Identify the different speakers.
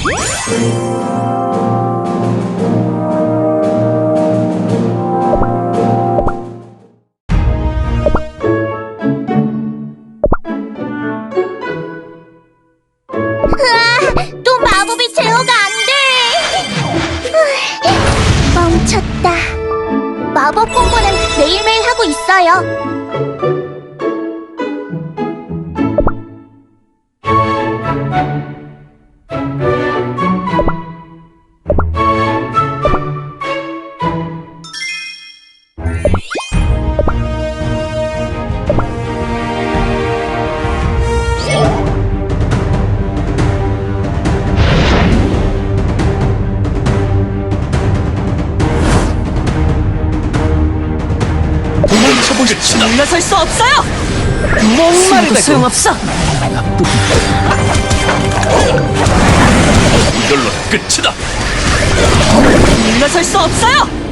Speaker 1: 또 마법이 제어가 안 돼. 멈췄다. 마법 공부는 매일매일 하고 있어요.
Speaker 2: 도망쳐보겠다.
Speaker 3: 물러설 수 없어요!
Speaker 2: 목마르다.
Speaker 3: 소용없어!
Speaker 2: 이걸로 끝이다.
Speaker 3: 물러설 수 없어요!